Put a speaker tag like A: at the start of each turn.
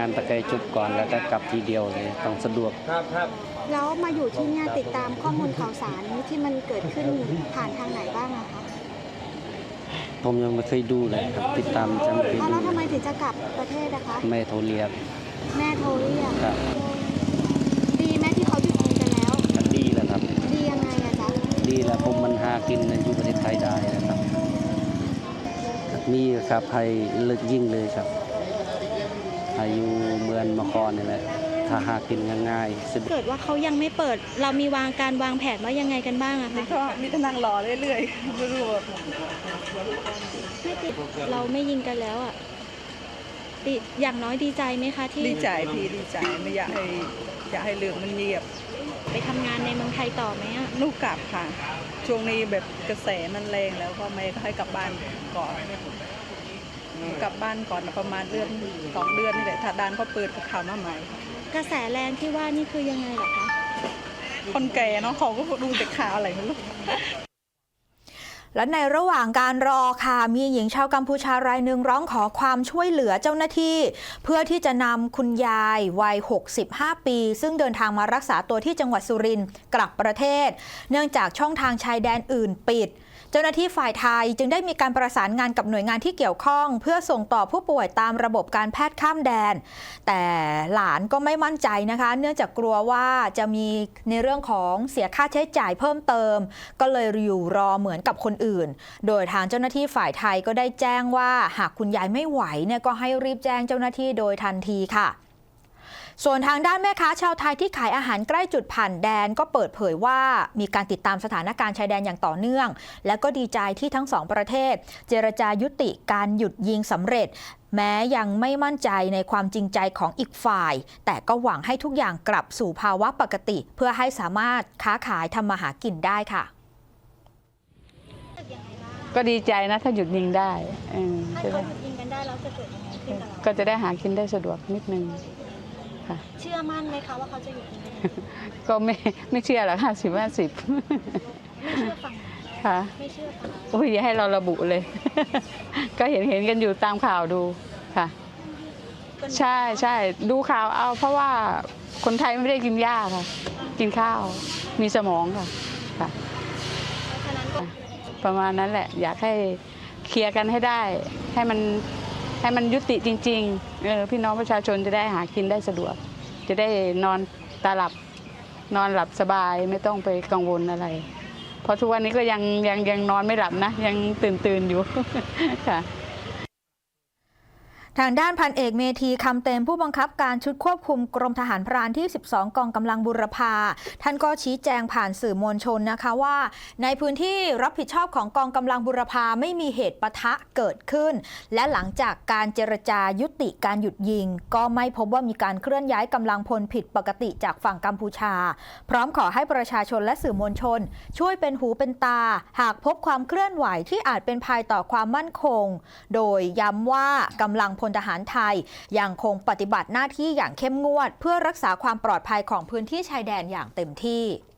A: านตะไคร้จุบก่อนแล้วก็กลับทีเดียวเลยต้องสะดวก
B: ครับแล้วมาอยู่ที่เนี่ยติดตามข้อมูลข่าวสารที่มันเกิดขึ้นผ่านทางไหนบ้างอะคะ
A: ผมยังไม่เคยดูเลยครับติดตามจะไม่เคยดู
B: แล้วทำไมถึงจะกลับประเทศนะคะ
A: แม่โทรเรียก
B: แม่โทรเรียก
A: ครับ
B: ดีไหมที่เขาหยุดยิงกันแล้ว
A: ดีแล้วครับ
B: ดียังไงอะจ๊ะ
A: ดีแล้วผมมันหากินอยู่ประเทศไทยได้นะครับมีครับให้เลิกยิงเลยครับอายุเมืองมครนี่แหละถ้าหากินง่ายๆ
B: เกิดว่าเขายังไม่เปิดเรามีการวางแผนว่ายังไงกันบ้างอะคะ
C: ก็มีแต่นั่งรอเรื่อยๆไม่รู้ว่า
B: เราไม่ยิงกันแล้วอะอย่างน้อยดีใจไหมคะที่
C: ดีใจพี่ดีใจไม่อยากให้เรื่องมันเงียบ
B: ไปทำงานในเมืองไทยต่อไหมอะ
C: ลูกกลับค่ะช่วงนี้แบบกระแสมันแรงแล้วก็ไม่ให้กลับบ้านก่อนกลับบ้านก่อนประมาณเดือน2 เดือนนี่แหละถ้าด้านเขาเปิดข่าวมาใหม่
B: กระแสแรงที่ว่านี่คือยังไงหรอคะ
C: คนแก่เนาะเขาก็ดูแต่ข่าวอะไรไม่รู้
D: และในระหว่างการรอค่ะมีหญิงชาวกัมพูชารายหนึ่งร้องขอความช่วยเหลือเจ้าหน้าที่เพื่อที่จะนำคุณยายวัย65 ปีซึ่งเดินทางมารักษาตัวที่จังหวัดสุรินทร์กลับประเทศเนื่องจากช่องทางชายแดนอื่นปิดเจ้าหน้าที่ฝ่ายไทยจึงได้มีการประสานงานกับหน่วยงานที่เกี่ยวข้องเพื่อส่งต่อผู้ป่วยตามระบบการแพทย์ข้ามแดนแต่หลานก็ไม่มั่นใจนะคะเนื่องจากกลัวว่าจะมีในเรื่องของเสียค่าใช้จ่ายเพิ่มเติมก็เลยอยู่รอเหมือนกับคนอื่นโดยทางเจ้าหน้าที่ฝ่ายไทยก็ได้แจ้งว่าหากคุณยายไม่ไหวเนี่ยก็ให้รีบแจ้งเจ้าหน้าที่โดยทันทีค่ะส่วนทางด้านแม่ค้าชาวไทยที่ขายอาหารใกล้จุดผ่านแดนก็เปิดเผยว่ามีการติดตามสถานการณ์ชายแดนอย่างต่อเนื่องและก็ดีใจที่ทั้งสองประเทศเจรจายุติการหยุดยิงสำเร็จแม้ยังไม่มั่นใจในความจริงใจของอีกฝ่ายแต่ก็หวังให้ทุกอย่างกลับสู่ภาวะปกติเพื่อให้สามารถค้าขายทำมาหากินได้ค่ะ
E: ก็ดีใจนะถ้าหยุดยิงได้
B: ถ้าเขาหยุดยิงกันได้แล้วจะเกิดยังไงขึ้นกับเรา
E: ก็จะได้หากินได้สะดวกนิดนึง
B: เชื่อมั่นไหมคะว่าเขาจะหยุดยิง
E: ก็ไม่เชื่อหรอก50-50
B: ไม่เชื่อฟัง
E: ค่ะ
B: ไม่เชื่อฟัง
E: โอ้ยอย่าให้เราระบุเลย ก็เห็นกันอยู่ตามข่าวดูค่ะใช่ดูข่าวเอาเพราะว่าคนไทยไม่ได้กินหญ้าค่ะกินข้าวมีสมองค่ะประมาณนั้นแหละอยากให้เคลียร์กันให้ได้ให้มันยุติจริงๆพี่น้องประชาชนจะได้หากินได้สะดวกจะได้นอนหลับสบายไม่ต้องไปกังวลอะไรเพราะทุกวันนี้ก็ยังนอนไม่หลับนะยังตื่นอยู่ค่ะ
D: ทางด้านพันเอกเมธีคำเต็มผู้บังคับการชุดควบคุมกรมทหารพรานที่12กองกำลังบุรพาท่านก็ชี้แจงผ่านสื่อมวลชนนะคะว่าในพื้นที่รับผิดชอบของกองกำลังบุรพาไม่มีเหตุปะทะเกิดขึ้นและหลังจากการเจรจายุติการหยุดยิงก็ไม่พบว่ามีการเคลื่อนย้ายกำลังพลผิดปกติจากฝั่งกัมพูชาพร้อมขอให้ประชาชนและสื่อมวลชนช่วยเป็นหูเป็นตาหากพบความเคลื่อนไหวที่อาจเป็นภัยต่อความมั่นคงโดยย้ำว่ากำลังพลทหารไทยยังคงปฏิบัติหน้าที่อย่างเข้มงวดเพื่อรักษาความปลอดภัยของพื้นที่ชายแดนอย่างเต็มที่